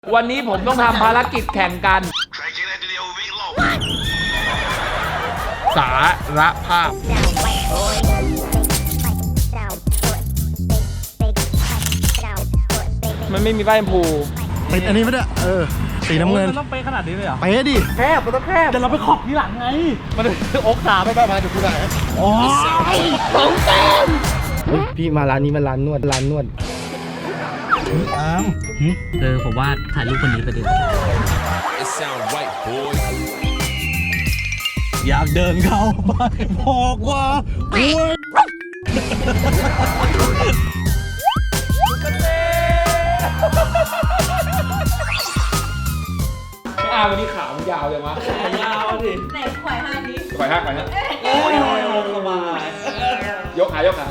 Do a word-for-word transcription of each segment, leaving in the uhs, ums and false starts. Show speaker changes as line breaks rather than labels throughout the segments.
วันนี้ผมต้องทำภารกิจแข่งกันสารภาพมันไม่มีป้ายชมพู
ติดอันนี้ไม่ได้เออสีน้ำเงิน
มันต้องเป๊ะขนาดนี้เลยเหรอ
ไปดิแคบมันต้องแคบ
แต่เราไปขอบทีหลังไงมันอกตาไปไปมาเดี๋ยวกูได้
โอ้ยสองแต้มพี่มาร้านนี้มันร้านนวดร้านนวดอ้าม
เออผมว่าถ่ายรูปคนนี้ไปดิ
อยากเดินเข้าไปบอกว่าโอ้ย
อ้าววันนี้ขาวมันยาวเลยวะ
ขายาวดิ
ไหนขวายห้านี้
ขวายห้าขวายห้า
โอ้ยโอ้ยโอ้ยสบาย
ยกขายกขา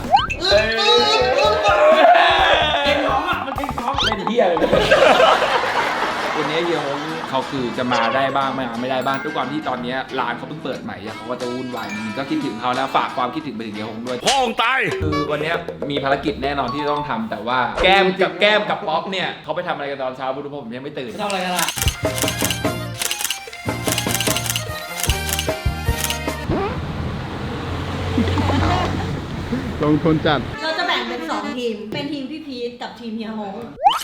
เก่งท้องอ่ะมันเก่งท้อง
เล่นเหี้ยเลยวันนี้เฮียฮงเขาคือจะมาได้บ้างไม่มาไม่ได้บ้างด้วยความที่ตอนนี้ร้านเขาเพิ่งเปิดใหม่เขาก็จะวุ่นวายมันก็คิดถึงเขาแล้วฝากความคิดถึงไปถึงเฮียฮงด้วย
พ่อองตาย
คือวันนี้มีภารกิจแน่นอนที่ต้องทำแต่ว่าแก้มกับแก้มกับป๊อปเนี่ยเขาไปทำอะไรกันตอนเช้าบุรุษผมยังไม่ตื่น
ทำอะไรกันล่ะ
ลงทุนจัด
เราจะแบ่งเป็นสองทีมเป็นทีมพี่พีทกับทีมเฮียฮง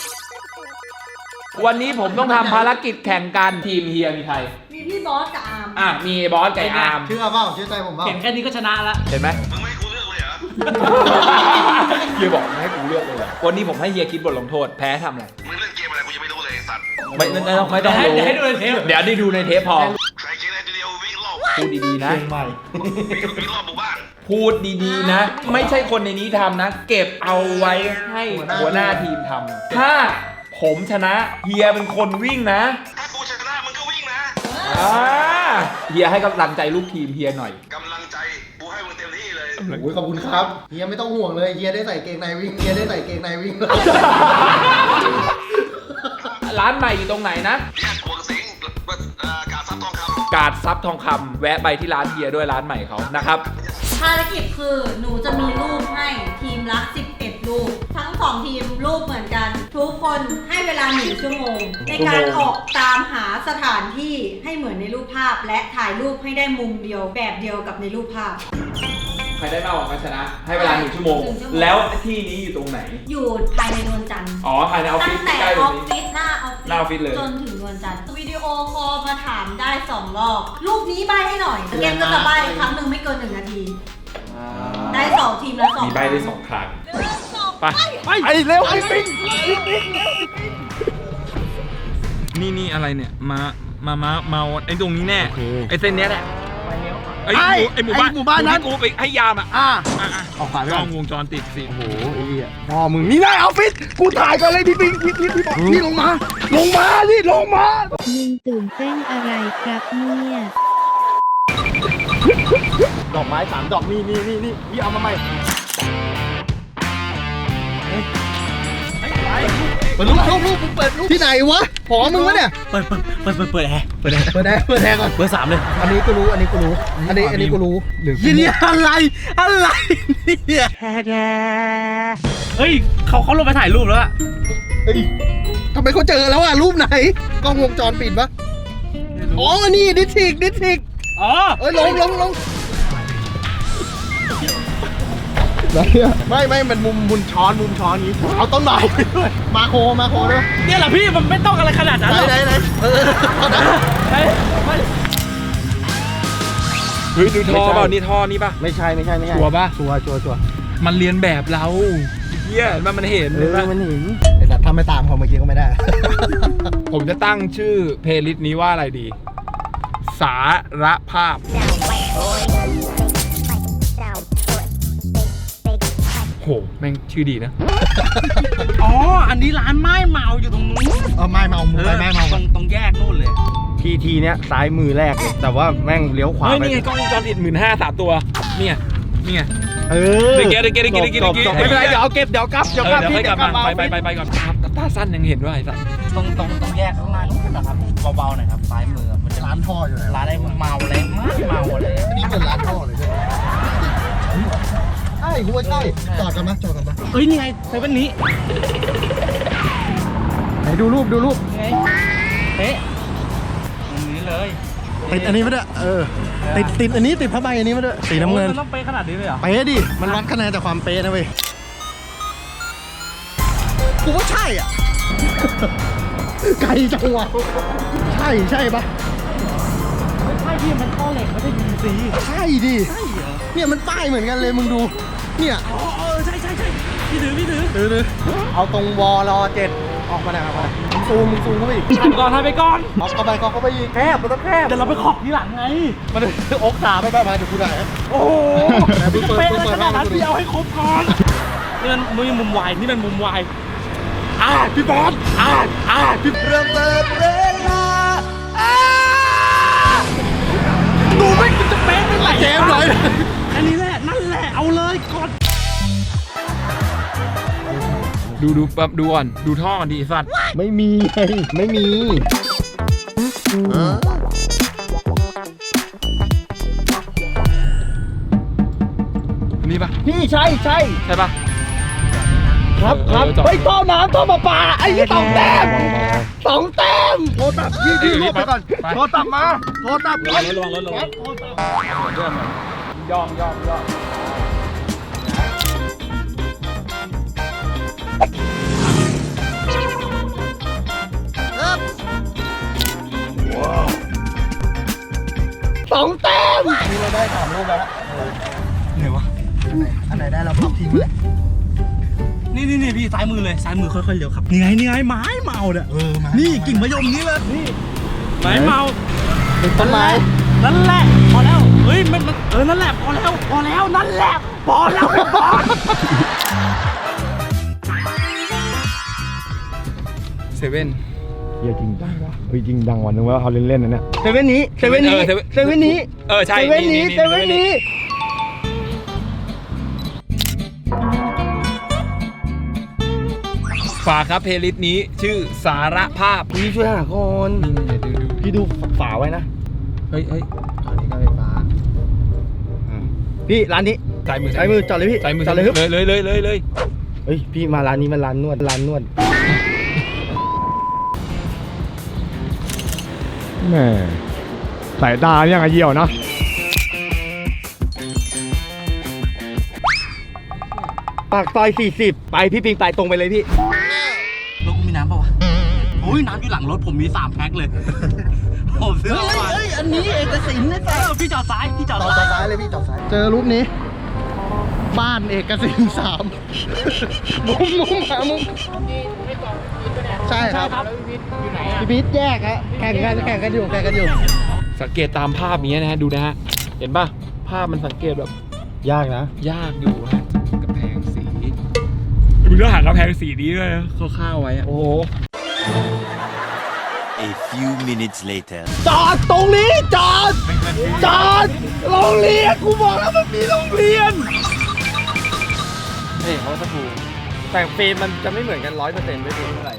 วันนี้ผมต้องทำภารกิจแข่งกันทีมเฮียมีใคร
มีพี่บอสกับอาร์ม
อ่ะมีบอสกับอาร์ม
เชื่อเปล่าเชื่อใจผมเปล่า
เห็นแค่นี้ก็ชนะแล้ว
เห็นไหมมึงไม่ให้กูเลือกเลยเหรอเฮียบอกไม่ให้กูเลือกเลยเหรอวันนี้ผมให้เฮียคิดบทลงโทษแพ้ทำอะไร
มึงเล่นเกมอะไรกูยังไม่รู้เลยสัตว์
ไม่ไม่ต้องไม่ต้องรู้
ให้ดูในเทป
เดี๋ยวได้ดูในเทปพอ
ใครกินอะไรเดียววิ่งรอบ
พูดดีๆนะ
ใหม่
วิ่งรอบหมู่บ้าน
พูดดีๆนะไม่ใช่คนในนี้ทำนะเก็บเอาไว้ให้หัวหน้าทีมทำถ้าผมชนะเฮียเป็นคนวิ่งนะ
ถ้ากูชนะมึงก็วิ่งนะ
อ่าเฮียให้กำลังใจลูกทีมเฮียหน่อย
กำลังใจกูให้มึงเต็มที่เลย
โอ้ยขอบคุณครับเฮียไม่ต้องห่วงเลยเฮียได้ใส่เกงในวิ่งเฮียได้ใส่เกงในวิ่งเลย
ร้านใหม่อยู่ตรงไหนนะ
แยกขวงสิงกาดซับทองคำ
กาดซับทองคำแวะไปที่ร้านเฮียด้วยร้านใหม่เขานะครับ
ภารกิจคือหนูจะมีรูปให้ทีมละสิบเอ็ดรูปทั้งสองทีมรูปเหมือนกันทุกคนให้เวลาหนึ่งชั่วโมงในการออกตามหาสถานที่ให้เหมือนในรูปภาพและถ่ายรูปให้ได้มุมเดียวแบบเดียวกับในรูปภาพ
ใครได้มากกว่ากันชนะให้เวลาหนึ่งชั่วโมงแล้วที่นี้อยู่ตรงไหน
อยู่ภายในนวลจันทร์
อ๋อภายในออฟฟิศ
ตั้งแต่ออฟฟิศหน้าออฟฟิศ
หน้าออฟฟิศเลย
จนถึงนวลจันทร์วิดีโอคอลมาถามได้สองรอบรูปนี้ใบให้หน่อยเกมก็จะใบครั้งหนึ่งไม่เกินหนึ่งนาทีได้สองทีมแล้วสอง
มีใบได้สองครั้งไป
ไปไปเร็วไปปิ้ง
นี่นี่อะไรเนี่ยมามามาเมาไอ้ตรงนี้แน่ไอ้เส้นเนี้ยแหละไอ้ไอ้หมู่บ้าน
หมู่บ้านนั้น
กูไปให้ยามอ่ะ
อ่า
ออกขวาไปกล้องวงจรปิดสิ
โอ้โหไอ้เหี้ยพ่อมึงนี่ได้ออฟฟิศกูถ่ายก่อนเลยพี่ปิ้งพี่พี่พี่นี่ลงมาลงมานี่ลงมา
มึงตื่นเต้นอะไรครับเนี่ย
ดอกไม้สามดอกนี่นี่นี่นี่พี่เอามาใหม่เปิดลูกลูกลูกเปิดลูกที่ไหนวะหอมึงวะเนี่ย
เปิดเปิดเปิดเปิดเปิดแอร์
เปิดแอร์เปิดแอร์เปิดแอร์ก่อน
เปิดสามเลย
อันนี้ก็รู้อันนี้ก็รู้อันนี้อันนี้ก็รู้หรือ
นี่อะไรอะไรเนี่ยเฮ้ยเขาเขาลงไปถ่ายรูปแล้วอะ
เฮ้ยทำไมเขาเจอแล้วอะรูปไหนกล้องวงจรปิดปะอ๋อนี่ดิทิกดิทิก
อ๋อ
เอ้ยลงลงลงไม่ไม่มันมุมมุมช้อนมุมช้อนนี้เอาต้นไม้ไปด้วยมาโคมาโคด้วย
เนี่ยแหละพี่มันไม่ต้องอะไรขนาดนั้นหรอก
ไหนไหนเออ
เฮ้ยดูท่อเปล่านี่ท่อนี่ป่ะ
ไม่ใช่ไม่ใช่ไม่ใช่
ชัวร์ป่ะ
ชัวร์ชัวร์ชัวร์
มันเรียนแบบเราเฮียมันมันเห็น
เออมันเห็นไอ้สัตว์ทำไม่ตามเขาเมื่อกี้ก็ไม่ได้
ผมจะตั้งชื่อเพลย์ลิสต์นี้ว่าอะไรดีสารภาพโหแม่งชื่อดีนะ
อ๋ออันนี้ร้านไม้เมาอยู่ตรงนู้น
เออไม้เมามุมไม้เมา
ตรงตรงแยกนู่นเลย
ทีทีเนี้ยซ้ายมือแรกเลยแต่ว่าแม่งเลี้ยวขวา
เฮ้ยนี่ไงกล้องวงจรปิดหมื่นห้าสามตัวเนี่ยนี่ไง
เออ
เดี๋ยวเดี๋ยวเดี๋ยวเดี๋ยวเดี๋ยวเดี๋ยว
ไม่เป็นไรเดี๋ยวเอาเก็บเดี๋ยวกลับเดี๋ยวกลับพี่
เดี๋ยวกลับมาไปไปไปไปก่อนตาสั้นยังเห็นด้วยไอ้สัส
ตรงตรงตรงแยกข้างล่างนู่นนะครับเบาๆหน่อยครับซ้ายมือมันจะ
ร้านท่ออยู่ไหน
ร้านอะไรเมาอะไรเมาอะไร
นี่เป็นร้านท่อเลยใช่ไหมใช่กูว่าใช่จอดกันมั้ยจอดกันมั้ย
เฮ้ยนี่ไงเซเว่นนี้
ไหนดูรูปดูรูป
ไงเป๊ะตรงนี้เลย
ติดอันนี้มาด้วยเออติดติดอันนี้ติดผ้าใบอันนี้มาด้วยสีน้ำเงิน
โอ้ยมันต้องเป๊ะขนาดนี้เลยเหรอ
เป๊ะดิมันวัดคะแนนจากความเป๊ะนะเว้ยกูว่าใช่อ่ะ ไกลจังวะใช่ใช่ปะ
ไม่ใช่พี่มันท่อเหล็กไม่ใช่ยูซี
ใช่ดิเนี่ยมันป้ายเหมือนกันเลยมึงดูเนี่ย
อ๋อเออใช่ใช่ใช่พี่ถือพี่ถือ
ดูดูเอาตรงวอลเจ็ดออกมาหน่อยออกมาหน่อยมึงซูมมึงซูมเข้าไปอีก
ทำก่อนทำไปก่อน
เอาเข้าไปเข้าเข้าไปอีกแคบมันต้องแคบ
เดี๋ยวเราไปขอบทีหลังไง
มาดูอกขาไปไปมาเดี๋ยวกูได้
โอ้โห
แต่มึงเปิด
เป๊ะ
เปิด
เลย
เปิด
ขนาดนั้น
ให้ดูดิ
พี่เอาให้ครบก่อนนี่มันมือมุมวายนี่มันมุมวายอ่าพี่บอสอ่าอ่าพี่เริ่มเปิดเวลาอ่าดูไม่มันจะเป๊ะไม่ไหล
เจมส์หน่อย
อันนี้แหละนั่นแหละเอาเลยกด
ดูดูแบบดูก่อนดูท่อกันดีสัตว์
ไม่มีไงไม่มี
นี่ปะ
พี่ใช่ใช่
ใช่ปะ
ครับครับ
เออจอด
ไปท่อน้ำท่อประปาไอ้ยี่สองแต้มสองแต้มโทรตับพี่พี่รวบไปก่อนโทรตับมาโทรตับก่อน
ระวังรถระวัง
โทรตับ
เรื่องมันย่องย่องย่อง
สองแต้มนี่เราได้สามลูกแล้วนะไหนวะอันไหนได้เราพับทิ้งไปเลย
นี่นี่นี่พี่ซ้ายมือเลยซ้ายมือค่อยๆเลี้ยวครับนี่ไงนี่ไงไม้เมาเนี่ย
เออมา
นี่กิ่งมะยมนี้เลยนี่ไม้เมา
เป็นต้นไม้
นั่นแหละพอแล้วเฮ้ยมันมันเออนั่นแหละพอแล้วพอแล้วนั่นแหละพอแล้วพี่บอส
เซเว่น
เฮียจริงดังวะเฮ้ยจริงดังวันนึงว่าเขาเล่นๆนะเนี่ยเซเว่นนี้เซเว่นนี้
เออเซเว่น
เซเว่นนี้
เออใช่
เซเว่นนี้
นี่
เซเว่นนี้
ฝากครับเพลย์ลิสต์นี้ชื่อสารภาพ
พี่ช่วยหาก่อน
นี่เดี๋ยวดูดู
พี่ดูฝาไว้นะ
เฮ้ยเฮ้ย
อันนี้ก็ไฟฟ้าพี่ร้านนี้
ซ้ายมือ
ซ้ายมือจอดเลยพี่
ซ้ายมือ
จอดเลยครับ
เลยเลยเลยเลยเลย
เฮ้ยพี่มาร้านนี้มันร้านนวดร้านนวด
แหม่สายตายังไงเยี่ยวนะ
ปากซอยสี่สิบไปพี่ปิงไปตรงไปเลยพี่
รถมีน้ำป่าวะโอ้ยน้ำอยู่หลังรถผมมีสามแพ็คเลย ผมซื้อ
เฮ้ย
มา
เฮ้ยอันนี้เอกสินนะ
เออพี่จอดซ้ายพี่จอด
จอด
ซ้าย
ซ้ายเลยพี่จอดซ้ายเจอรูปนี้ บ้านเอกสินสามมุมมุมหามุมใช่ครับพี่พีทแยกฮะแข่งกันแข่งกันอยู่แข่งกันอยู่
สังเกตตามภาพนี้นะฮะดูนะฮะเห็นป่ะภาพมันสังเกตแบบ
ยากนะ
ยากอยู่ฮะกระแพงสีมึงต้องหากระแพงสีนี้ด้วยนะคร่าวๆไว้อะ
โอ้โห
A few minutes later.
จอดตรงนี้จอดจอดโรงเรียนกูบอกแล้วมันมีโรงเรียน
เฮ้ยเขาจะถูกแต่เฟรมมันจะไม่เหมือนกันร้อยเปอร์เซ็นต์ไม่รู้เท่าไหร่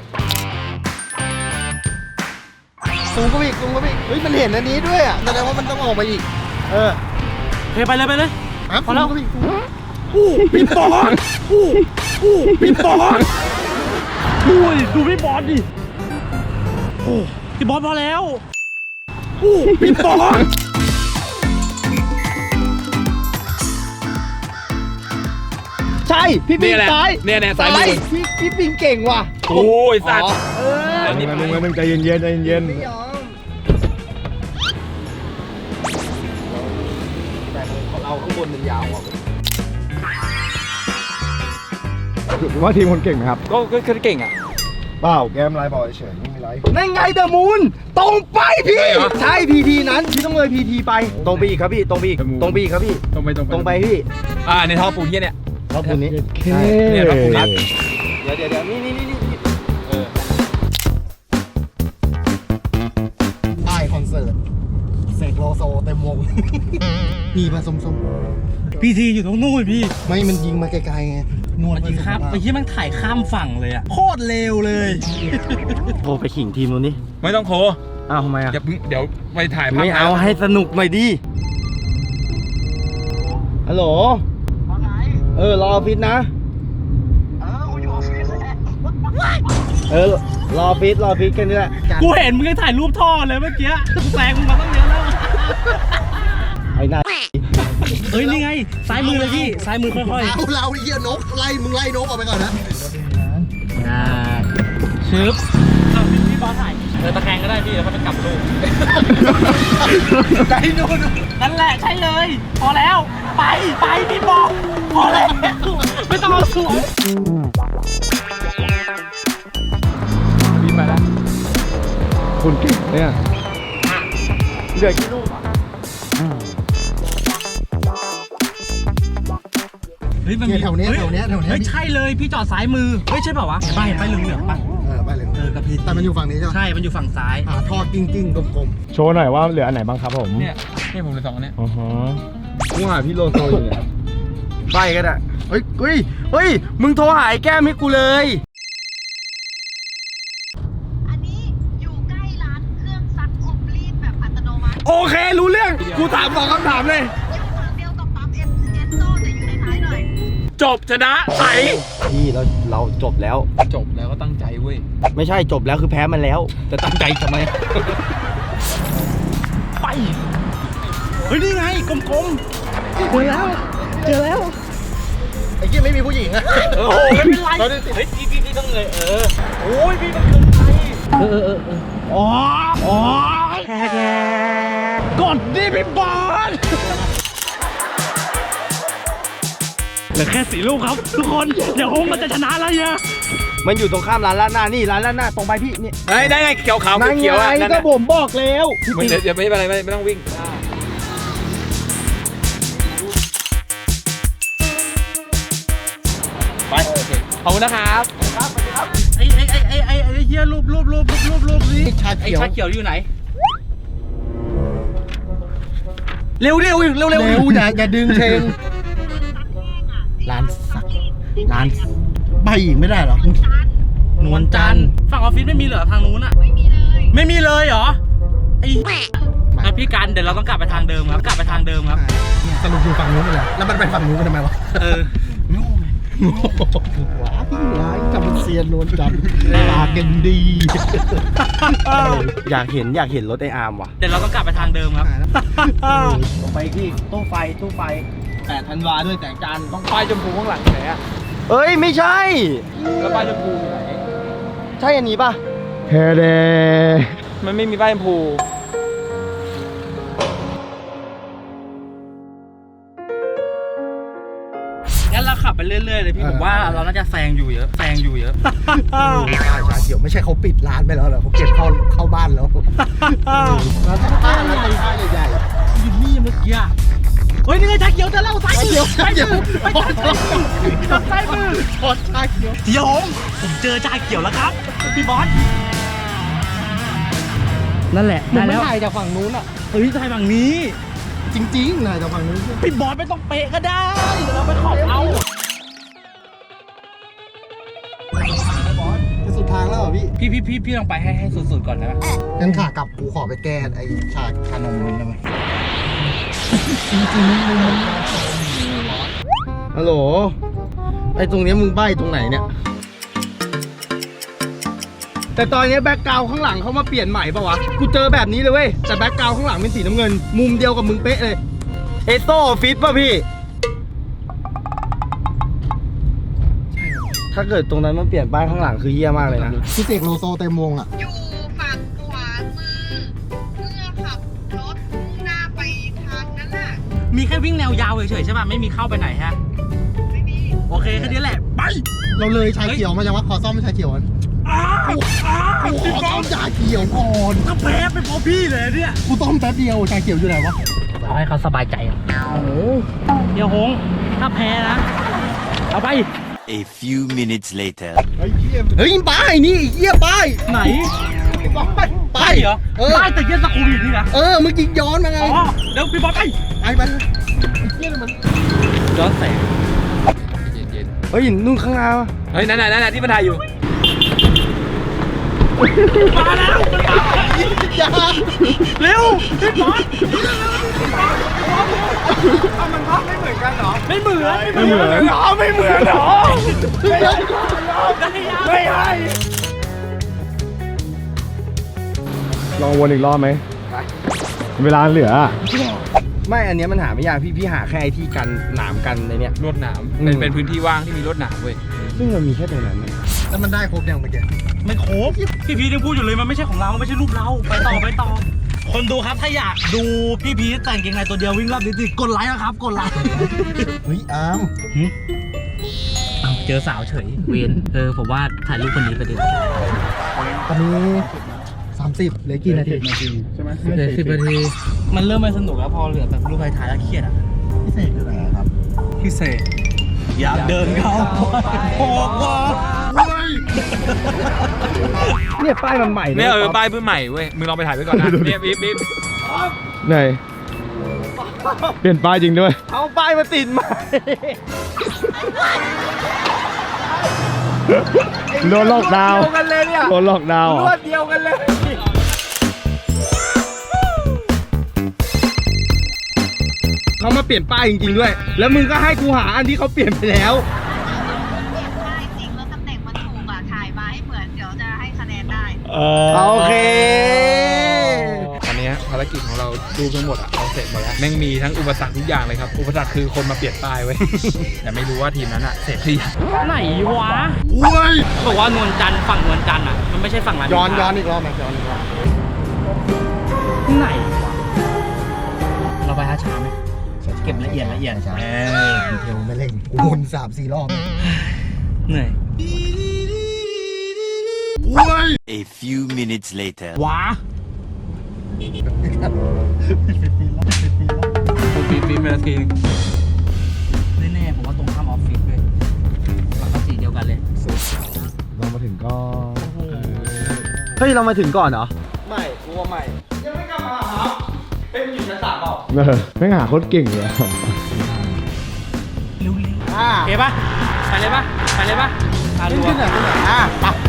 ซูมก็อีกซูมก็อีกเฮ้ยมันเห็นอันนี้ด้วยอ่ะแสดงว่ามันต้องออกมาอีกเออ
เฮ้ยไปเลยไปเลย
ครับ
พอแล้ว
ซูมก็อีกซูม
อู้พี่บอสอู้อู้พี่บอสดูดิดูพี่บอสดิโอ้พี่บอสพอแล้วอู้พี่บอส
ใช่พี่ปิง
เนี่ยแหละ
ซ้าย
เนี่ยเนี่ยซ้ายมือ
พี่พี่ปิงเก่งว่ะ
โอ้ยสัตว์
อ๋อเออ
อันนี้
มึงมึงมึงใจเย็นๆใจเย็น
ไม่ยอมแต่ของเราข้างบนมันยาวอ่ะ
ๆว่าทีมคนเก่งไหมครับ
ก็ก็ก็เก่งอ่ะ
เปล่าแกมไลน์บอกเฉยๆไม่มีไร
นั่นไงเดอะมูนตรงไปพี่
ใช่เหรอ
ใช่พีทีนั้นพี่ต้องเลยพีทีไปตรงไปอีกครับพี่ตรงไปอีก
The Moon
ตรงไปอีกครับพี่
ตรงไปตรงไป
ตรงไปพี่
อ่าในท่อปูนเฮียเนี่ย
รอบคุณนี้
เค
เนี่ยครับผม
เดี๋ยวเดี๋ยวเดี๋ยวนี่นี่นี่นี่
เออ
ป้ายคอนเสิร์ตเสกโลโซเต็มวง มีมาส้ม
พีทีอยู่ตรงนู้นพี่
ๆไม่มันยิงมาไกลๆไงนวด
มันยิงข้ามไอ้ที่มันถ่ายข้ามฝั่งเลยอะโคตรเร็วเลย
โทรไปขิงทีมนู้นนี่
ไม่ต้องโค
อ้าวทำไมอ่ะ
อย่าเพิ่งเดี๋ยวไปถ่ายภาพ
ไม่เอาให้สนุกหน่อยดิฮัลโหลเออรอออฟฟิศนะ เออรอฟิตรอฟิตกันนี่แหละ
กูเห็นมึงยังถ่ายรูปท่อเลยเมื่อกี้กูแซงมึงมาตั้งเยอะแล้ว
ไอ้หน้า
เฮ้ยนี่ไงซ้ายมือเลยพี่ซ้ายมือค่อย
เอาเราไอ้เหี้ยนกไล่มึงไล่นกออกไปก่อนนะ
ๆอ่าชึบเอาพี่พี่บอสถ่ายเออตะแคงก็ได้พี่แล้วก็จะกลับรูป
ใจนู่น
นั่นแหละใช่เลย พอแล้ว ไปไปพี่บอสพอแล้วไม่ต้องเอาสวย
บินไปแล้ว
คุณเก่งเนี่ยเหลือกี่ลูก
เฮ้ยมัน
เนี่ยแถวเนี้ย
ฮ้
แถวเนี้ยแถวเนี้ย
เฮ้ยใช่เลยพี่จอดซ้ายมือเฮ้ยใช่เปล่าวะป้ายป้ายเหลืองๆป่ะ
เออไปเลย
เออกระพริบ
แต่มันอยู่ฝั่งนี้ใช่ไหม
ใช่มันอยู่ฝั่งซ้าย
หาทอดกิ้งกิ้งๆกลม
โชว์หน่อยว่าเหลืออันไหนบ้างครับผม
เนี่ยนี่ผมเลยสองอันเนี้ย
อ๋อฮะกูหาพี่โลโซอยู่เนี่ย
ๆใบก็ได้เฮ้ยเฮ้ยเฮ้ยมึงโทรหาไอ้แก้มให้กูเลย
อันนี้อยู่ใกล้ร้านเครื่องซักอบรีดแบบอัตโนมัติ
โอเครู้เรื่องกูถามสองคำถามเลย
อยู่ฝั่งเดียวกับปั๊มเอสเอสโซแต่อยู่ในท้ายหน่อย
จบชนะใส
พี่เราเราจบแล้ว
จบแล้วก็ตั้งใจเว้ย
ไม่ใช่จบแล้วคือแพ้มันแล้วจะตั้งใจทำไม
ไปเฮ้ยนี่ไงกลมๆเจอแล้วเจอแล้ว
ไอ้ยี่ไม่มีผู้หญิงอะ
โอ้โหไม่เป็นไรเฮ้ยพี่พี่พี่ต้องเลยเออโอ้ยพี่มันเกินไปเออเออเออเอออ๋ออ๋อกดดิพี่บอลเหลือแค่สี่ลูกครับทุกคนเดี๋ยวโฮงมันจะชนะแล้วเนี่ย
มันอยู่ตรงข้ามร้านลาดหน้านี่ร้านลาดหน้าตรงไปพี่นี่
เฮ้ยได้ไงเขียวขาว
นั่น
เขียวๆอ่ะ
ไง
นั่น
ก็
น่ะ
ผมบอกแล้ว
มันเดี๋ยวเดี๋ยวไม่เป็นไรไม่ไม่ต้องวิ่งไปโอเคขอบคุณนะครับ
ไอ้ไอ้ไอ้ไอ้ไอ้ไอ้เหี้ยรูปรูปรูปรูปรูปรูปนี่
ชา
ไอ้
เขียว
ชาเขียวอยู่ไหนเร็วเร็วเร็วเร็ว
เร็วอย่าอย่าดึงเชงร้านสักร้านใบอีกไม่ได้เหรอ
นวลจันทร์ฝั่งออฟฟิศไม่มีเหรอทางนู้นอ่ะไม่มีเลยไม่มีเลยเหรอไอ้อ่ะพี่กันเดี๋ยวเราต้องกลับไปทางเดิมครับกลับไปทางเดิมครับ
สรุปอยู่ฝั่งนู้นไปเลยแล้วมันไปฝั่งนู้นกันทำไมวะ
เออ
ว้ายร้ายกับมันเซียนนวลจันทร์ลากันดี อยากเห็นอยากเห็นรถไออาร์มว่ะ
เดี๋ยวเราต้องกลับไปทางเดิมครับ
ลงไปที่ตู้ไฟตู้ไฟแปดธันวาด้วยแสงจันทร์
ต้องป้ายชมพูข้างหลังอยู่ไหนอะ
เอ้ยไม่ใช่
แล้วป้ายชมพูอยู่ไหน
ใช่อันนี้ป่ะ
เฮเด
มันไม่มีป้ายชมพู
งั้นเราขับไปเรื่อยๆเลยพี่ผมว่าเราน่าจะแซงอยู่เยอะแซงอยู่เยอะ
ชาชาเขียวไม่ใช่เขาปิดร้านไปแล้วเหรอเขาเก็บเข้าเข้าบ้านแล้วร้านผ้าร้านผ้าใหญ่
อยู่นี่เมื่อกี้อะเฮ้ยนี่ไงชาเขียวจะเล่าซ้ายมือ
ชาเขียว
ซ้ายมือ
ชาชาเขียว
เดี๋ยวผมเจอชาเขียวแล้วครับพี่บอสนั่นแหละ
มึง
ได้
ไม่
แล้ว
ถ่ายจากฝั่งนู้นอ่ะ
เฮ้ยถ่ายฝั่งนี้
จริงๆถ่ายจากฝั่งนู้น
พี่บอสไม่ต้องเป๊ะก็ได้เดี๋ยวเราไปขอบเอา
จะสุดทางแล้วเหรอพี่
พี่พี่พี่พี่ลองไปให้ให้สุดๆก่อนได้ไหม
งั้นขากลับกูขอไปแก้ไอ้ชาชานมนู้นได้ไหมฮัลโหลไอ้ตรงเนี้ยมึงใบ้ตรงไหนเนี่ย แต่ตอนนี้แบ็คกราวข้างหลังเขามาเปลี่ยนใหม่ปะวะ กูเจอแบบนี้เลยเว้ย แต่แบ็คกราวข้างหลังเป็นสีน้ำเงิน มุมเดียวกับมึงเป๊ะเลย เอโซฟิตป่ะพี่ ถ้าเกิดตรงนั้นมันเปลี่ยนป้ายข้างหลังคือเยี่ยมากเลยนะพี่เสกโลโซเต็มวงอ่ะ
อยู่ฝั่งขวามือเมื่อขับรถมุ่งหน้าไปทางนั้นน่ะ
มีแค่วิ่งแนวยาวเฉยๆใช่ป่ะไม่มีเข้าไปไหนฮะ
ไม่มี
โอเคแค่นี้แหละไป
เราเลยชาเขียวมาจังวะขอซ่อมชาเขียวก่อน
อ้าวอ้าว
กูข
พี่
อบ
อ
ซ่อ
ส
มชาเขียวก่อน
ก็แพ้ไปเพราะพี่เลยเนี่ย
กูต้มแป๊บเดียวชาเขียวอยู่ไหนวะ
เอาให้เขาสบายใจโอ้โหเดี๋ยวหงถ้าแพ้นะเอาไป
A few minutes later.
เฮ้ยป้ายนี่เยี่ยป้าย
ไหน
ป้าย
ป้ายเหรอ
เออ
ป้ายแต่เย็นสกุลอยู่นี่นะ
เออเมื่อกี้ย้อนมาไง
อ๋อเดี๋ยวพี่บอสไป
ไปไปเยี่ยมัน
ย้อนแสง
เย็น
เฮ้ยนู่นข้างหน้า
ๆเฮ้ยนั่นน่ะนั่นน่ะที่มันถ่ายอยู่
มาแล้วมันมา
อย่า
เร็วพี่บอส
มันภาพไม่เหมือนกันเหรอ
ไม่เหมือน
ไม่เหมือนเหรอไม่เหมือนเหรอ
ได้ยัง
ไม่ให้
ลองวนอีกรอบไหมเวลาเหลืออะ
ไม่อันเนี้ยมันหาไม่ยากพี่พี่หาแค่ไอ้ที่กันหนามกันในเนี้ย
รวดหนาม
อืม
เป็นเป็นพื้นที่ว่างที่มีรวดหนามเว้ย
ซึ่งมันมีแค่ตรงนั้นนะแล้วมันได้ครบยังเมื่อกี้
ไม่ครบพี่พีทยังพูดอยู่เลยมันไม่ใช่ของเราไม่ใช่รูปเราไปต่อไปต่อ คนดูครับถ้าอยากดูพี่พีทแต่งเกงในตัวเดียววิ่งรอบดิจิกดไลค์นะครับกดไลค์
เฮ้ยอาร์ม
เอาเจอสาวเฉยเวนเออผมว่าถ่ายรูปคนนี้ไปดี
ตอนนี้สามสิบเหลือกี่นาทีใช่ไหม
เหลือสิบนาทีมันเริ่มไม่สนุกแล้วพอเหลือแบบรูปถ่ายแล้วเครียดอ่ะ
พิเศษคืออะไรครับ
พิเศษอยากเดินเข้าโอ้โห
เนี่ยป้ายมันใหม่
เนี่ยเออป้ายเพิ่งใหม่เว้ยมึงลองไปถ่ายไว้ก่อนนะเนี่ยบิ๊บบิ๊บ
ไหนเปลี่ยนป้ายจริงด้วย
เอาป้ายมาติดใหม่
โดนล็อกดาวน์
เดียวกันเลยเนี่ย
โดนล็อกดาวน์เหร
ร
อ
วดเดียวกันเลยเขามาเปลี่ยนป้ายจริงๆด้วย แล้วมึงก็ให้กูหาอันที่เขาเปลี่ยนไปแล้ว
ได้จริงแล้วตำแหน่งมันถูกอ่ะ ถ่ายมาให้เหมือนเดี๋ยวจะให้คะแนนได้
โอเค
ตอนนี้ภารกิจของเราดูทั้งหมดอะเราเสร็จหมดแล้วแม่งมีทั้งอุปสรรคทุกอย่างเลยครับอุปสรรคคือคนมาเปลี่ยนป้ายไว้ แต่ไม่รู้ว่าทีมนั้นอะเสร็จหรือยัง
ไหนวะ
อุ้ย
บอกว่านวลจันทร์ฝั่งนวลจันทร์อ่ะมันไม่ใช่ฝั่งร้าน
ย้อนย้อนอีกรอบไหมย้อนอีกรอบ
ไหนวะเราไปช้าๆไหมเก็บละเอียดละเอียด
ใช่ดีเทลไม่เร่งกูวนสามสี่รอบ
เหนื่อย
A few minutes later.
ว้า
คุณบิ๊บบิ๊บมาทีนึง
แน่ๆผมว่าตรงข้ามออฟฟิศเลยหลังก็สีเดียวกันเลย
เรามาถึงก็
เฮ้ยเรามาถึงก่อนเหรอ ไม่กูว่าไม่ยังไม่กลับมาครับเฮ้ยมันอยู่ชั้นสามเปล่า
เออไม่งหาโคตรเก่งเลยอะ
เร็ว
อ่า
ๆโอเคปะไปเลยปะไปเลยปะอ่ะ
ขึ้
ดู
นขึ้นหน่อยขึ้นหน่อยอ่าปะ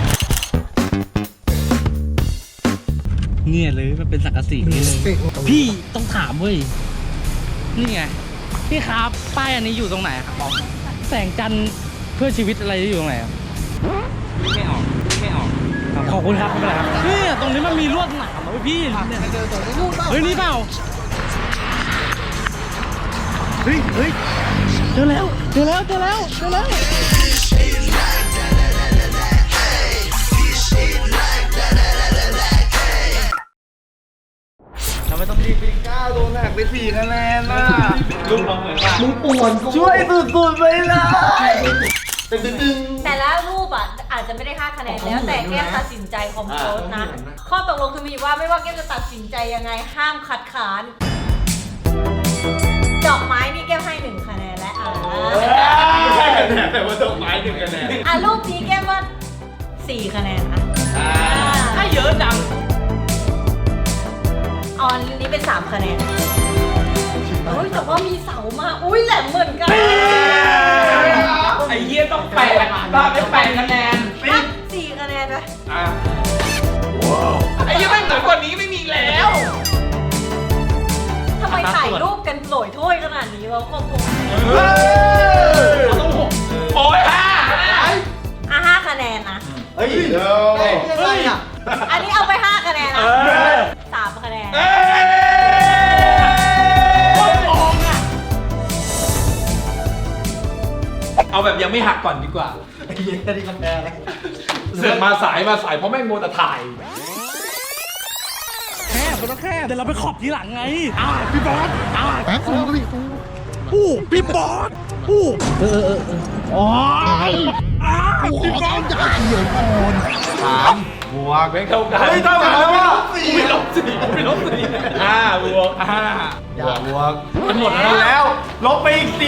เนี่ยเลยมันเป็นสังกะสีนี่เลยพี่ต้องถามเว้ยนี่ไงพี่ครับป้ายอันนี้อยู่ตรงไหนครับแสงจันทร์เพื่อชีวิตอะไรอยู่ตรงไหนครับไม่ออกไม่ออกขอบคุณครับไม่เป็นไรครับเนี่ยตรงนี้มันมีลวดหนามเหรอพี่เนี่ยเฮ้ยนี่เปล่าเฮ้ยเฮ้ยเจอแล้วเจอแล้วเจอแล้วเจอแล้วเราไม่ต้องรีบ
ก้าวโดนหักไปสี่คะแนนน่ะ
ลุงเราเหมือนว่า
มึงป่วนช่วยสุดๆไปเลยตึง
แต่ละรูปอ่ะอาจจะไม่ได้ค่าคะแนนแล้วแต่แก้มตัดสินใจของโค้ชนะ ข้อตกลงคือมีว่าไม่ว่าแก้มจะตัดสินใจยังไงห้ามคัดค้านดอกไม้นี่แก้มให้หนึ่งคะแนนและอ่า
ไม่ใช่คะแนนแต่ว่าดอกไม้หนึ่งคะแนน
อ่ะรูปนี้แก้มว่าสี่คะแนนอ่ะ
ถ้าเยอะจัง
ออนนี้เป็นสามคะแนนโอ้ยแต่ว่ามีเสามาอุ้ยแหลมเหมือนกัน
ไอ้เหี้ยต้องแปดบ้าไปแปดคะแนน
อ่ะสี่คะแนนนะ
ไอ้เหี้ยแม่งเหนือกว่านี้ไม่มีแล้ว
ทำไมถ่ายรูปกันโหลยถ้วยขนาดนี้วะครอบครัว
โอ้ยห้า
อ่ะห้าคะแนนนะ
เฮ้ยเดี๋ยวเฮ้ยอ่ะ
อันนี้เอาไปห้าคะแนนนะสามคะแนน
เอาแบบยังไม่หักก่อนดีกว่า
ไอ้เหี้ยนี่มันแพ้เลย
เสือกมาสายมาสายเพราะแม่งโมวแต่ถ่าย
แค่มันต้องแค่เดี๋ยวเราไปขอบทีหลังไงอ้าวพี่บอสอ้าว
แป๊บนึงก็มีกู
อู้พี่บอสอู้เออเออเอออ๋ออ้าว
กูขอต้องจ่ายเขียวก่อน
สามบวกแม่งเท่ากัน
เฮ้ยเท่ากันแล้วว่ะ
กูไม่ลบสี่กูไม่ลบสี่ห้าบวกห้าบวกบวก
มันหมดแล้ว ลบไปอีกสี่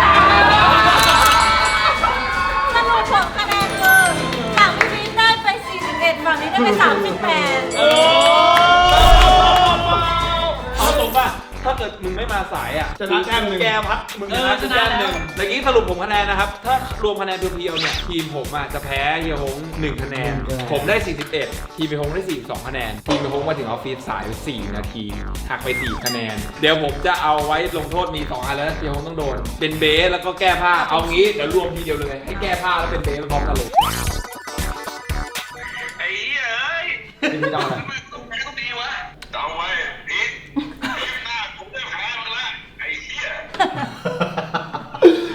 สรุปผลคะแนนคือฝั่งพี่พีทได้ไปสี่สิบเอ็ดฝั่งนี้ได้ไปสามสิบแปด
เอาตรงป่ะ ถ้าเกิดมึงไม่มาสายอ่ะชนะแต้มหนึ่งแกพัดมึงชนะแต้มหนึ่งเมื่อกี้สรุปผมคะแนนนะครับ ถ้ารวมคะแนนเพียวๆเนี่ยทีมผมอ่ะจะแพ้เฮียฮงหนึ่งคะแนน ผมได้สี่สิบเอ็ดทีมเฮียฮงได้สี่สิบสองคะแนน ทีมเฮียฮงมาถึงออฟฟิศสายสี่นาทีหักไปสี่คะแนน เดี๋ยวผมจะเอาไว้ลงโทษมีสองอันแล้วเฮียฮงต้องโดน เป็นเบสแล้วก็แก้ผ้า เอางี้เดี๋ยวรวมทีเดียวเลยให้แก้ผ้าแล้วเป็นเบสพร้อมกันเลย
ไอ้เหี้ยเอ้ย
ทีมพี่ต้องอะไร
กูแพ้กู